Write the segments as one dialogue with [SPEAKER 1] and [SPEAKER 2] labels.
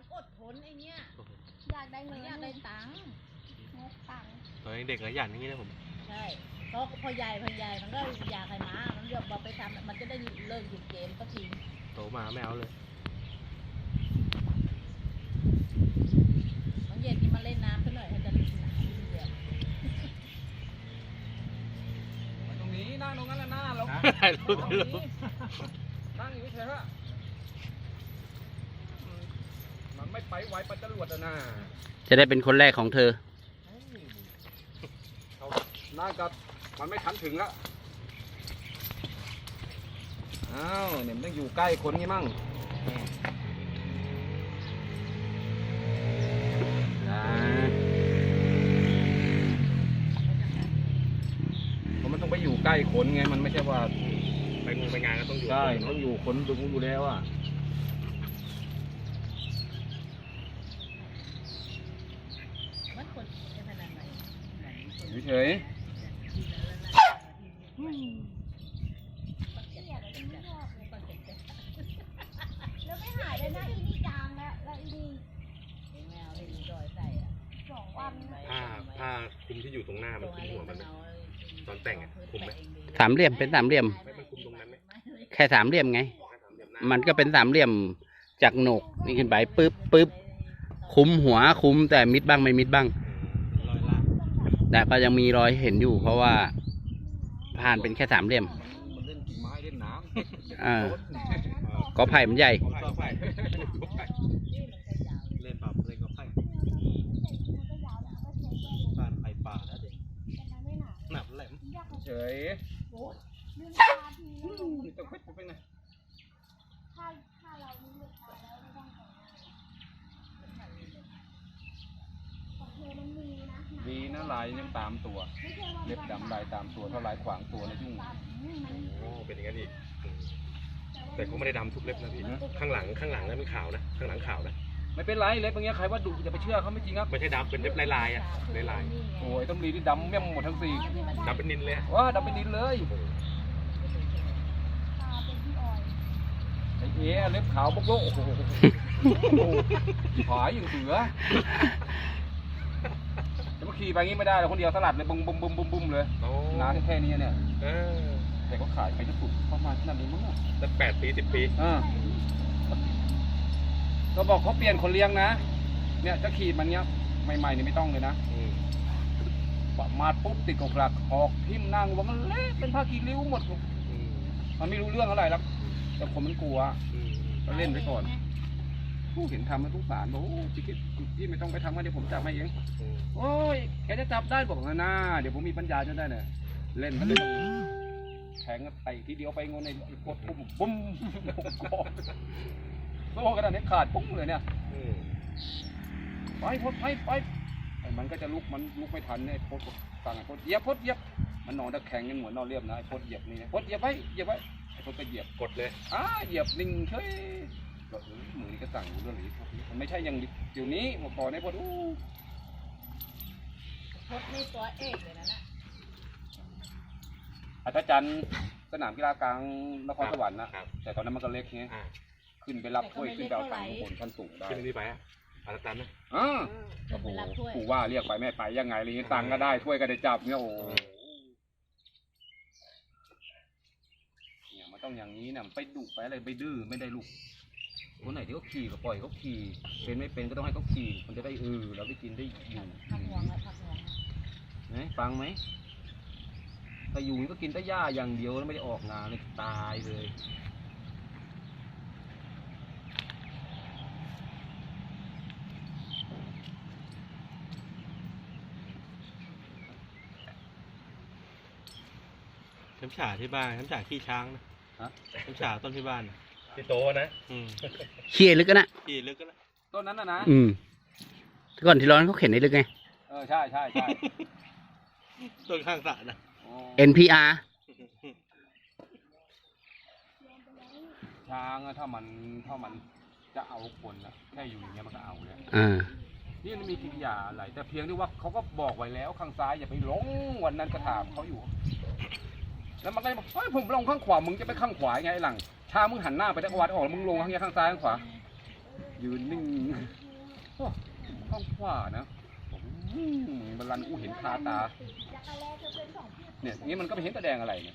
[SPEAKER 1] มันอดทนไอ้เนี้ย
[SPEAKER 2] อยากได้เงิน
[SPEAKER 1] อยากได้ตังค์
[SPEAKER 3] ตอนเด็กๆหยันอย่างนี้นะผม
[SPEAKER 1] ใช่เพราะพอใหญ่มันก็อยากให้มามันเลือกบอกไปทำมันจะได้เลิกหยุดเกมสักที
[SPEAKER 3] โตมาไม่เอาเลย
[SPEAKER 1] บางเย็นที่มาเล่นน้ำซะหน่อยให้จะหนาวเดือด
[SPEAKER 4] ตรงนี้นั่งตรงนั้นแหละหน้าเรานั่งอยู่เฉยๆมันไม่ไปไวปัจจรวดนะ
[SPEAKER 5] จะได้เป็นคนแรกของเธอ
[SPEAKER 4] น่ากับมันไม่ทันถึงแล้วอ้าวเนี่ยมันต้องอยู่ใกล้คนงี้มั่งเพราะมันต้องไปอยู่ใกล้คนไงมันไม่ใช่ว่า
[SPEAKER 3] ไปงานก็ต้องอยู่
[SPEAKER 4] ใช่ต้องอยู่คนดูอยู่แล้วอ่ะเฉย
[SPEAKER 2] แล้วไม่หายเลยนะอีนี่จางแล้วอีนี่
[SPEAKER 1] ไม่เอาให้ดีดอยใส่อ่ะ
[SPEAKER 2] 2 วัน
[SPEAKER 3] ผ้าคลุมที่อยู่ตรงหน้ามันคลุมหัวมันตอนแต่งอ่ะคลุมไหม
[SPEAKER 5] สามเหลี่ยมเป็นสามเหลี่ยม
[SPEAKER 3] ไม่มันคลุมตรงนั้นไหม
[SPEAKER 5] แค่สามเหลี่ยมไงมันก็เป็นสามเหลี่ยมจากโหนกนี่ขึ้นไปปึ๊บคุมหัวคุมแต่มิดบ้างไม่มิดบ้างแต่ก็ยังมีรอยเห็นอยู่เพราะว่าผ่านเป็นแค่สามเหลี่ยม
[SPEAKER 4] มันเล่นกิ่งไม้เล่นน้
[SPEAKER 5] ำก็ไผ่มันใหญ่
[SPEAKER 3] เล่นแบบเล่นก็ไผ่ผ่านไผ่ป่าแล้วเด็กหนับแหลม
[SPEAKER 4] เฉยต้องไปไหน
[SPEAKER 2] ถ้าเราไม่เลือกแล้วไม่ต้อง
[SPEAKER 4] ดีนะลายยังตามตัวเล็บดำลายตามตัวเท่าลายขวางตัวเลยยุ่ง
[SPEAKER 3] โอ้เป็นอย่างนั้นอีกแต่เขาไม่ได้ดำทุกเล็บนะพี่ข้างหลังนั้นเป็นขาวนะข้างหลังขาวนะ
[SPEAKER 4] ไม่เป็นไรเล็บอย่างเงี้ยใครว่าดุอย่าไปเชื่อเขาไม่จริงครับ
[SPEAKER 3] ไม่ใช่ดำเป็นเล็บลายอ่ะลาย
[SPEAKER 4] โอ้ยต้องรีที่ดำแม่งหมดทั้งสี่
[SPEAKER 3] ดำเป็นนินเลย
[SPEAKER 4] ว้าดำเป็นนินเลยไอ้เอ๋เล็บขาวบกโลกโอ้โหหายอย่างเสือจะมาขี่ไปงี้ไม่ได้เลยคนเดียวสลัดเลยบุ้มเลยน้ำแค่นี้เนี่ยแต่ก็ขายไปจะสุดประมาณขนาดนี้มั้ง
[SPEAKER 3] ตั้ง8 ปี 10 ปี
[SPEAKER 4] ก็บอกเขาเปลี่ยนคนเลี้ยงนะเนี่ยจะขี่มันเนี้ยใหม่ๆนี่ไม่ต้องเลยนะมาปุ๊บติดกบหลักออกทิ่มนั่งว่ามันเละเป็นผ้ากีริ้วหมดมันไม่รู้เรื่องอะไรแล้วแต่คนมันกลัวก็เล่นไปก่อนผู้เห็นทำแล้วทุกสารบอกพี่ไม่ต้องไปทำกันเดี๋ยวผมจับมาเองโอ้ยแกจะจับได้บอกนะเดี๋ยวผมมีปัญญาจนได้เนี่ยเล่นมันเลยแทงไปทีเดียวไปงนในกดปุ้มโซ่กระดานนี้ขาดปุ้งเลยเนี่ยไปมันก็จะลุกไม่ทันเนี่ยพดสั่งพดเหยียบมันนอนตะแคงกันเหมือนนอนเรียบนะไอ้พดเหยียบนี่พดเหยียบไว้ไอ้พดก็เหยียบ
[SPEAKER 3] กดเลย
[SPEAKER 4] เหยียบนิ่งเฉยมือนี่ก็สั่งเรื่องนี้มันไม่ใช่อย่างเดี๋ยวนี้มาก่อนในพด
[SPEAKER 1] นี่ตัวเอกเลยนะ
[SPEAKER 4] อาจารย์สนามกีฬากลางนครสวรรค์นะแต่ตอนนั้นมันก็เล็กไงขึ้นไปรับถ้วยขึ้นไปเอาตังค์บนชั้นสูงได้
[SPEAKER 3] ขึ้นนี่ไปอาจารย์นะ
[SPEAKER 4] โอ้โหกูว่าเรียกไปไม่ไปยังไงอะไรเงี้ยตังค์ก็ได้ถ้วยก็ได้จับเนี่ยโอ้เนี่ยมันต้องอย่างนี้เนี่ยไปดุไปอะไรไปดื้อไม่ได้ลูกคนไหนที่เขาขี่ก็ปล่อยเขาขี่เป็นไม่เป็นก็ต้องให้เขาขี่มันจะได้เราได้กินได้อยู่ฟังไหมถ้าอยู่ก็กินแต่หญ้าอย่างเดียวแล้วไม่ได้ออกงานเลยตายเลย
[SPEAKER 3] น้ำฉาที่บ้านน้ำฉาขี้ช้างนะน้ำฉาต้นที่บ้านที่โตนะ
[SPEAKER 5] เขี่ยลึกนะ
[SPEAKER 3] ขี้ลึกนะ
[SPEAKER 4] ต้นนั้นนะ
[SPEAKER 5] ก่อนที่ร้อนเขาเข็นได้ลึกไง
[SPEAKER 4] ใช่
[SPEAKER 3] ต้นข้างสระนะ
[SPEAKER 5] NPR
[SPEAKER 4] ช้างถ้ามันจะเอาคนนะแค่อยู่อย่างเงี้ยมันก็เอาเลยนี่มันมีกิริยาอะไรแต่เพียงที่ว่าเขาก็บอกไว้แล้วข้างซ้ายอย่าไปลงวันนั้นก็ถามเขาอยู่แล้วมันก็บอกผมลงข้างขวามึงจะไปข้างขวาไงหลังชามึงหันหน้าไปทางวัดออกมึงลงข้างซ้ายข้างขวายืนนิ่งโอ้ท้องฟ้านะบัลลังก์กูเห็นคาตาเนี่ยอย่างนี้มันก็ไม่เห็นตะแดงอะไรเนี่ย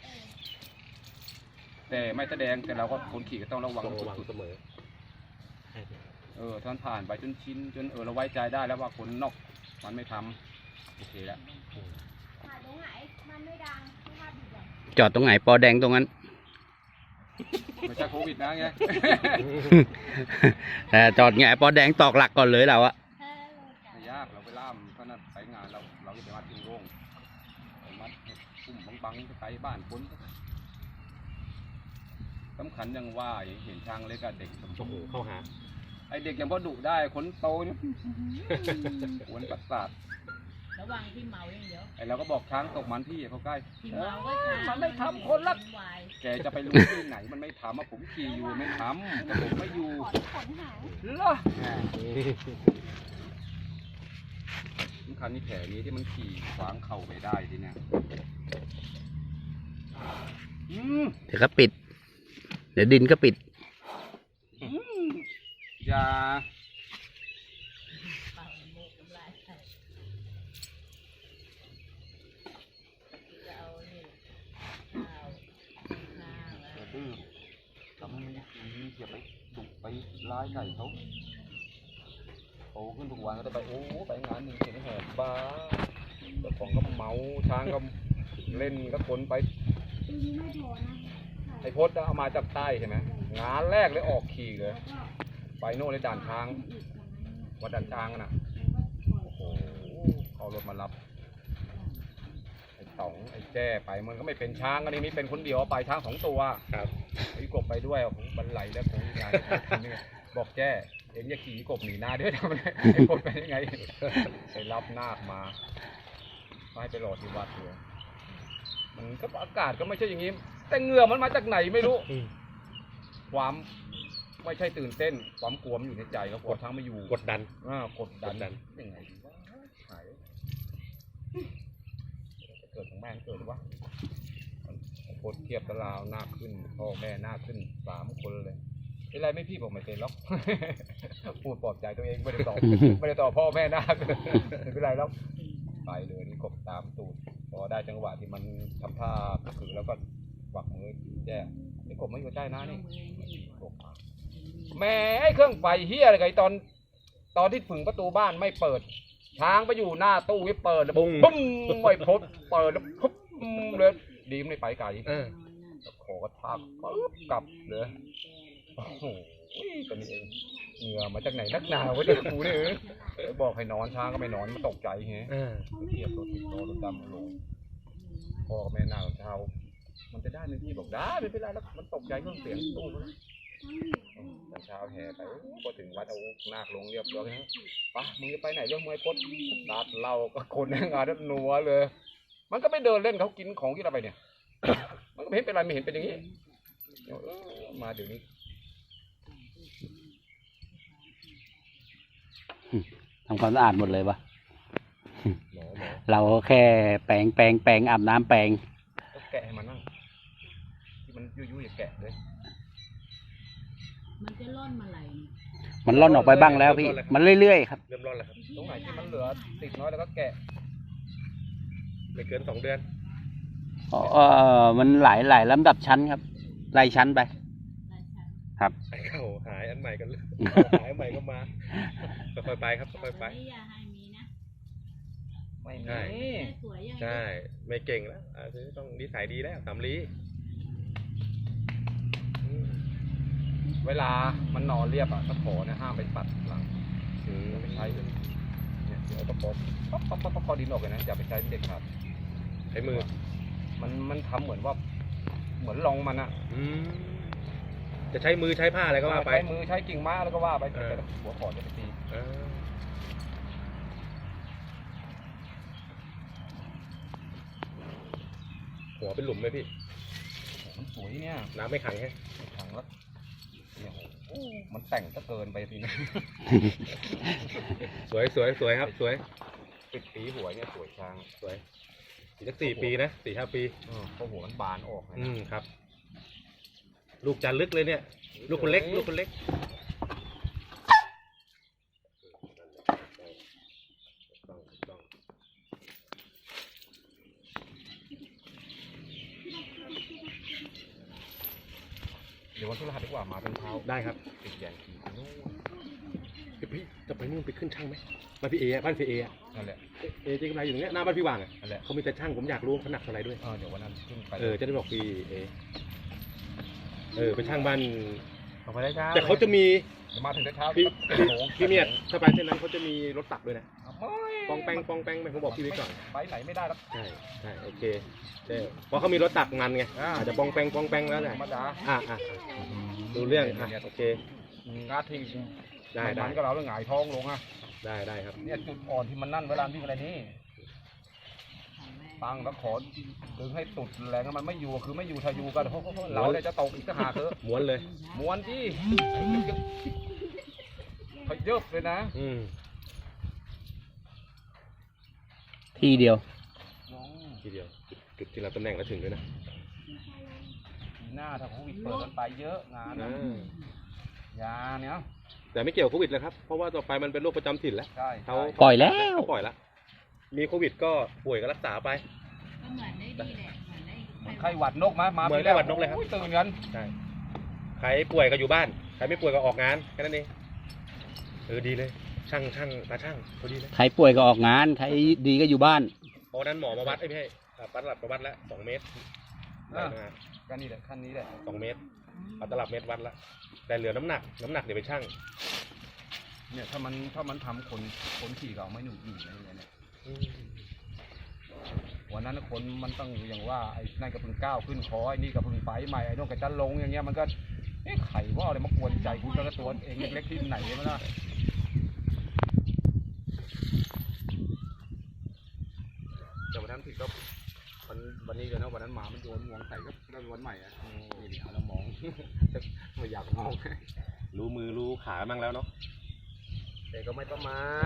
[SPEAKER 4] แต่ไม่ตะแดงแต่เราก็คนขี่ก็ต้องระวัง
[SPEAKER 3] ต้องระวัง
[SPEAKER 4] สุด
[SPEAKER 3] เสมอ
[SPEAKER 4] ๆท่านผ่านไปจนชินจนเราไว้ใจได้แล้วว่าคนนอกมันไม่ทำโอเคแล้ว
[SPEAKER 2] ถ่ายตรงไหนมันไม่ดังภาพดีอย่าง
[SPEAKER 5] จอดตรงไหนปอแดงตรงนั้น
[SPEAKER 4] ไม่ใช่โควิดนะไง
[SPEAKER 5] แต่จอดไงปอแดงตอกหลักก่อนเลยเราอะ
[SPEAKER 4] ไม่ยากเราไปล่ามก็นั่นไปงานเราจะไปมัดทิ้งโร่งไปมัดให้ปุ่มบังๆไปบ้านคนสำคัญยังว่าเห็นช้างเล็กกับเด็ก
[SPEAKER 3] โอ้โหเข้าหา
[SPEAKER 4] ไอเด็กยังพอดุได้คนโตเนี่ยหวนประสาท
[SPEAKER 1] ระวังที่เมาอย่างเดียว
[SPEAKER 4] ไอเราก็บอกช้างตกมันพี่เขาใกล้
[SPEAKER 1] ที่เมาก็ช้า
[SPEAKER 4] มันไม่ทำคนละ
[SPEAKER 1] วาย
[SPEAKER 4] แกจะไปรู้ที่ไหนมันไม่ทำผมขี่อยู่ไม่ทำแต่ผมไม่อยู่
[SPEAKER 2] ขนหาง
[SPEAKER 4] เหรอสำคัญนี่แผลนี้ที่มันขี่ขวางเข่าไปได้ทีเนี่ย
[SPEAKER 5] เดี๋ยวก็ปิด เดี๋ยวดินก็ปิด
[SPEAKER 4] อย่า
[SPEAKER 1] เป่าโมกน้ำลายใส่จะเอานี่ข้าวข้าวแล้ว
[SPEAKER 4] อย่าดื้อทำให้มันดีอย่าไปดุไปร้ายไก่เขาโตขึ้นทุกวันก็จะไปไปงานหนึ่งเห็นแหกบ้าเจ้าของก็เมาช้างก็เล่นก็คนไป
[SPEAKER 2] ปีนี้ไม่พอนะ
[SPEAKER 4] ไอ้พจน์เอามาจากใต้ใช่ไหมงานแรกเลยออกขี่เลยไปโน่นเลยด่านช้างวัดด่านช้างน่ะโอ้โหเอารถมารับไอ้ต๋องไอ้แจ้ไปมันก็ไม่เป็นช้างอันนี้เป็นคนเดียวไปช้าง2 ตัว
[SPEAKER 3] ครับ
[SPEAKER 4] ไอ้กบไปด้วยผมบรรลัยแล้วผมงานนี่บอกแจ้เอ็งอย่าขี่กบหนีหน้าด้วยทำไมไอ้คนไปยังไงไปรับนาคมาให้ไปรอที่วัดเลยมันก็อากาศก็ไม่ใช่อย่างนี้แต่เหงื่อมันมาจากไหนไม่รู้ ความไม่ใช่ตื่นเต้นความกลัวมันอยู่ในใจครับกลัวช้างไม่อยู่
[SPEAKER 3] กดดัน
[SPEAKER 4] กดดัน
[SPEAKER 3] กดดัน
[SPEAKER 4] ยังไงดีวะหายเกิดของแม่เกิดหรือวะโคตรเทียบตะลาวหน้าขึ้นพ่อแม่หน้าขึ้น3 คนเลยเป็นไรไม่พี่บอกไม่เป็นหรอก พูดปลอบใจตัวเองไม่ได้ตอบ ไม่ได้ตอบพ่อแม่หน้าไม่เป็นไรแล้วไปเลยนี่กบตามตูดพอได้จังหวะที่มันทำท่าก็คือแล้วก็วักมือแจ้ไอ้กบไม่อยู่ใต้นะนี่กบมาแม่ไอ้เครื่องไฟเฮียอะไรกันตอนที่ผึ่งประตูบ้านไม่เปิดช้างไปอยู่หน้าตู้ไม่เปิดแล้ว
[SPEAKER 3] ปุ้ง
[SPEAKER 4] ปุ้มไม่พบเปิดแล้วปุ๊บเลยดีไม่ไปไกล ขอกระทากปึ๊บกลับเลยโอ้โหตัวนี้เองเหงื่อมาจากไหนนักหนาวะเนี่ยกูเนี่ยบอกให้นอนช้างก็ไม่นอนมันตกใจไงเทียบรถติดรถดำลงพ่อกับแม่หน้าเช้ามันจะได้ไหมพี่บอกได้ไม่เป็นไรแล้วมันตกใจเครื่องเสียงตู้แล้วตอนเช้าแห่ไปพอถึงวัดเอานาคลงเรียบร้อยนะปะมึงจะไปไหนเรื่องมวยพดตัดเหล้าก็คนในงานนั้นนัวเลยมันก็ไม่เดินเล่นเขากินของที่เราไปเนี่ย มันก็ไม่เห็นเป็นไรไม่เห็นเป็นอย่างนี้มาเดี๋ยวนี้
[SPEAKER 5] ทำความสะอาดหมดเลยปะ
[SPEAKER 3] หมอ
[SPEAKER 5] เราแค่แปรงอาบน้ำแปรง
[SPEAKER 4] ก็แกะให้มันนั่งที่มันยุ่ยๆอย่าแกะเลย
[SPEAKER 1] มันจะร่อนมาไหล
[SPEAKER 5] มันล่อนออกไปบ้างแล้วพี่ มันเรื่อยๆครับ
[SPEAKER 3] เริ่มร้อนแล้วครับ
[SPEAKER 4] ตรงไหนที่มันเหลือติดน้อยแล้วก็แกะ
[SPEAKER 3] ไม่เกิน2 เดือน
[SPEAKER 5] มันหลายลำดับชั้นครับไล่ชั้นไป
[SPEAKER 1] หลายชั้น
[SPEAKER 5] ครับ
[SPEAKER 3] ไอ้เข้าหายอันใหม่กันเลยหายอันใหม่ก็มาค่อยๆไปครับค่อยๆไป
[SPEAKER 1] แต่อย่าให้มีนะ
[SPEAKER 4] ไม่
[SPEAKER 3] ใช่
[SPEAKER 4] มี
[SPEAKER 1] แค่สวยอย่างเดียว
[SPEAKER 3] ใช่ไม่เก่งแล้วต้องนิสัยดีแล้วสำลี
[SPEAKER 4] เวลามันนอนเรียบอ่ะตะขอเนี่ยห้ามไปปัดหลังอย่าไปใช้เลยเนี่ยเดี๋ยวตะขอปั๊บคอดินออกเลยนะอย่าไปใช้เด็ดขาด
[SPEAKER 3] ใช้มือ
[SPEAKER 4] มันทำเหมือนว่าเหมือนลองมันอ่ะ
[SPEAKER 3] จะใช้มือใช้ผ้าอะไรก็ว่าไป
[SPEAKER 4] ใช้มือใช้กิ่งไม้แล้วก็ว่าไป
[SPEAKER 3] เออ
[SPEAKER 4] แต่หัวขอจะไปตี
[SPEAKER 3] หัวเป็นหลุมไหมพี่
[SPEAKER 4] มันสวยเนี่ย
[SPEAKER 3] น้ำไม่ขังแค่
[SPEAKER 4] ถังแล้วเนี่ยโอ้มันแต่งก็เกินไปทีนี้
[SPEAKER 3] สวยครับสวย
[SPEAKER 4] ปิดปีหัวเนี่ยสวยช้าง
[SPEAKER 3] สวยอีกสัก4 ปีนะ4-5 ปี
[SPEAKER 4] เพราะหัวมันบานออกนะ
[SPEAKER 3] ครับ ลูกจันลึกเลยเนี่ย ลูกคนเล็ก
[SPEAKER 4] วันพฤหัสดีกว่ามาเป็นเช้า
[SPEAKER 3] ได้ครับ
[SPEAKER 4] ติดแยงขี่ไปนู่น
[SPEAKER 3] พี่จะไปนู่นไปขึ้นช่างไหมบ้านพี่เออะบ้านพี่เออะ
[SPEAKER 4] นั่นแหละ
[SPEAKER 3] เอเจ๊กำไรอยู่ตรงเนี้ยหน้าบ้านพี่วางอะ
[SPEAKER 4] นั่นแหละ
[SPEAKER 3] เขามีแต่ช่างผมอยากรู้เขาหนักเท่าไหร่ด้วย
[SPEAKER 4] เดี๋ยววันนั้นขึ้นไป
[SPEAKER 3] จะได้บอกพี่เอไปช่างบ้าน
[SPEAKER 4] เอาไปได้เช้า
[SPEAKER 3] แต่เขาจะมี
[SPEAKER 4] เดี๋ยวมาถึงได้เช้า
[SPEAKER 3] พี่เมียดถ้าไปเส้นนั้นเขาจะมีรถตักด้วยนะ ปองแปงไหมผมบอกพี่ไว้ก่อน
[SPEAKER 4] ไปไหนไม่ได้แล้ว
[SPEAKER 3] ใช่โอเคเพราะเขามีรถตักมันไงอาจจะปองแปงแล้วแห
[SPEAKER 4] ธ
[SPEAKER 3] ละ
[SPEAKER 4] รรมดา
[SPEAKER 3] ดูเรื่องโอเค
[SPEAKER 4] งัดทิ้ง
[SPEAKER 3] ได้
[SPEAKER 4] มันก็เราแล้วหงายท้องลงอ่ะ
[SPEAKER 3] ได้ครับ
[SPEAKER 4] เนี่ยจุดอ่อนที่มันนั่นเวลาวิ่งอะไรนี่ตั้งแล้วขอดึงให้สุดแรงมันไม่อยู่คือไม่อยู่ถ้าอยู่ก็เราเนี่ยจะตกอีกก็หาเถอะ
[SPEAKER 3] ม้วนเลย
[SPEAKER 4] ม้วนที่เขาเยอะเลยนะ
[SPEAKER 5] ทีเดียว
[SPEAKER 3] ทีเดียวจุดที่เราตำแหน่งแล้วถึงด้วยนะ
[SPEAKER 4] หน้าถ้าโควิดเปิดกันไปเยอะงานนะยาเนี่ย
[SPEAKER 3] แต่ไม่เกี่ยวกับโควิดเลยครับเพราะว่าต่อไปมันเป็นโรคประจำถิ่นแล้ว
[SPEAKER 4] ใช่
[SPEAKER 3] เขา
[SPEAKER 5] ปล่อยแล้ว
[SPEAKER 3] ปล่อยละมีโควิดก็ป่วยก็รักษาไป
[SPEAKER 1] ก็เหมือนได้ดีแหละเหมือนได้
[SPEAKER 4] เหมือนไข้หวัดนกมา
[SPEAKER 3] เหมือนไข้หวัดนกเลยครับ
[SPEAKER 4] โอ้ตื่นกัน
[SPEAKER 3] ใช่ใครป่วยก็อยู่บ้านใครไม่ป่วยก็ออกงานแค่นั้นเองดีเลยช่างตาช่างพอดีเลย
[SPEAKER 5] ใครป่วยก็ออกงาน ใครดีก็อยู่บ้าน
[SPEAKER 3] เพราะนั้นหมอมาวัดไม่ใช่ปัดหลับมาวัดแล้ว2 เมตรได้นะ
[SPEAKER 4] ก็นี่แหละขั้นนี้แหละ
[SPEAKER 3] 2 เมตรเอาตลับเมตรวัดละแต่เหลือน้ำหนักเดี๋ยวไปช่าง
[SPEAKER 4] เนี่ยถ้ามันทำคนขี่ก็เอาไม่หนุนอะไรเนี่ยวันนั้นคนมันต้องอย่างว่าไอ้นั่นก็เพิ่งก้าวขึ้นคอไอ้นี่ก็เพิ่งไปใหม่ไอ้น้องก็จะลงอย่างเงี้ยมันก็ไข่ว่าอะไรมากวนใจกูก็ตัวเองเล็กๆที่ไหนมาล่ะแต่วันนั้นผิดก็วันนี้เลยนะวันนั้นหมามันโยนงวงใส่ก็ได้วันใหม่อ่ะนี่เดี๋ยวเรามอง ไม่อยากมอง
[SPEAKER 3] รู้มือรู้ขาบ้างแล้วเนาะ
[SPEAKER 4] แต่ก็ไม่ประมาท